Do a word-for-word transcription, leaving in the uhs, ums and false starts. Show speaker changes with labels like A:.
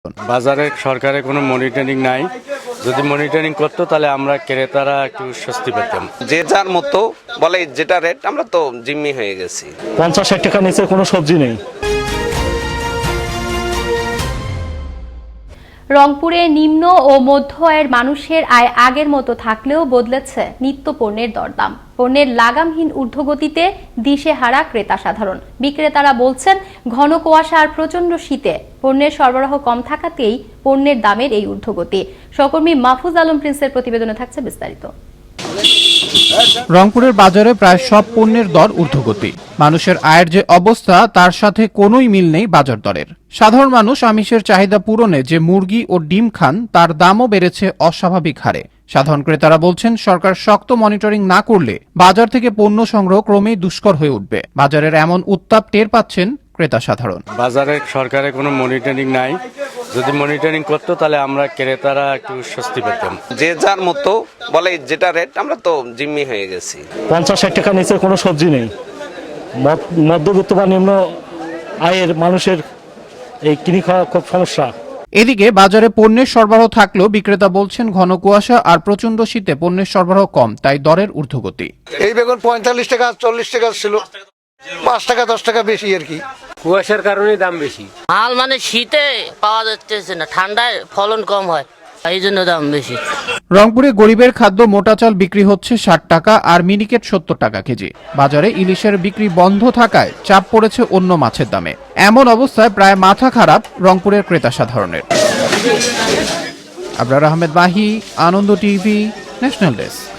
A: বাজারে সরকারের কোনো মনিটরিং নাই, যদি মনিটরিং করতো তাহলে আমরা ক্রেতারা একটু স্বস্তি পেতাম।
B: যে যার মতো বলে যেটা রেট, আমরা তো জিম্মি হয়ে গেছি।
C: পঞ্চাশ ষাট টাকা নিচে কোনো সবজি নেই।
D: রংপুরে নিম্ন ও মধ্য আয়ের মানুষের আয় আগের মতো থাকলেও বদলেছে নিত্য পণ্যের দরদাম। পণ্যের লাগামহীন ঊর্ধ্বগতিতে দিশেহারা ক্রেতা সাধারণ। বিক্রেতারা বলছেন, ঘন কুয়াশা আর প্রচন্ড শীতে পণ্যের সরবরাহ কম থাকাতেই পণ্যের দামের এই ঊর্ধ্বগতি। সহকর্মী মাহফুজ আলম প্রিন্সের প্রতিবেদনে থাকছে বিস্তারিত।
E: রংপুরের বাজারে প্রায় সব পণ্যের দর ঊর্ধ্বগতি। মানুষের আয়ের যে অবস্থা তার সাথে কোনোই মিল নেই বাজার দরের। সাধারণ মানুষ আমিষের চাহিদা পূরণে যে মুরগি ও ডিম খান তার দামও বেড়েছে অস্বাভাবিক হারে। সাধারণ ক্রেতারা বলছেন, সরকার শক্ত মনিটরিং না করলে বাজার থেকে পণ্য সংগ্রহ ক্রমেই দুষ্কর হয়ে উঠবে। বাজারের এমন উত্তাপ টের পাচ্ছেন ক্রেতা সাধারণ।
A: বাজারে সরকারের কোনো মনিটরিং নাই, যদি মনিটরিং করতো তাহলে আমরা ক্রেতারা একটু স্বস্তি পেতাম।
B: যে যার মতো বলে যেটা রেট, আমরা তো জিম্মি হয়ে গেছি।
C: পঞ্চাশ ষাট টাকা নিচে কোনো সবজি নেই। মধ্যবিত্ত বা নিম্ন আয়ের মানুষের এই কিনে খাওয়া খুব সমস্যা।
E: এদিকে বাজারে পণ্যের সরবরাহ থাকলেও বিক্রেতা বলছেন, ঘন কুয়াশা আর প্রচন্ড শীতে পণ্যের সরবরাহ কম, তাই দরের ঊর্ধ্বগতি।
F: এই বেগুন পঁয়তাল্লিশ টাকা চল্লিশ টাকা ছিল, পাঁচ টাকা দশ টাকা বেশি আর কি।
G: কুয়াশার কারণে দাম বেশি।
H: মাল মানে শীতে পাওয়া যাচ্ছে না, ঠান্ডায় ফলন কম হয়, এই জন্য দাম বেশি।
E: রংপুরে গরিবের খাদ্য মোটা চাল বিক্রি হচ্ছে ষাট টাকা আর মিনিকেট সত্তর টাকা কেজি। বাজারে ইলিশের বিক্রি বন্ধ থাকায় চাপ পড়েছে অন্য মাছের দামে। এমন অবস্থায় প্রায় মাথা খারাপ রংপুরের ক্রেতা সাধারণের। Abrar Ahmed Mahi, Ananda TV, national desk.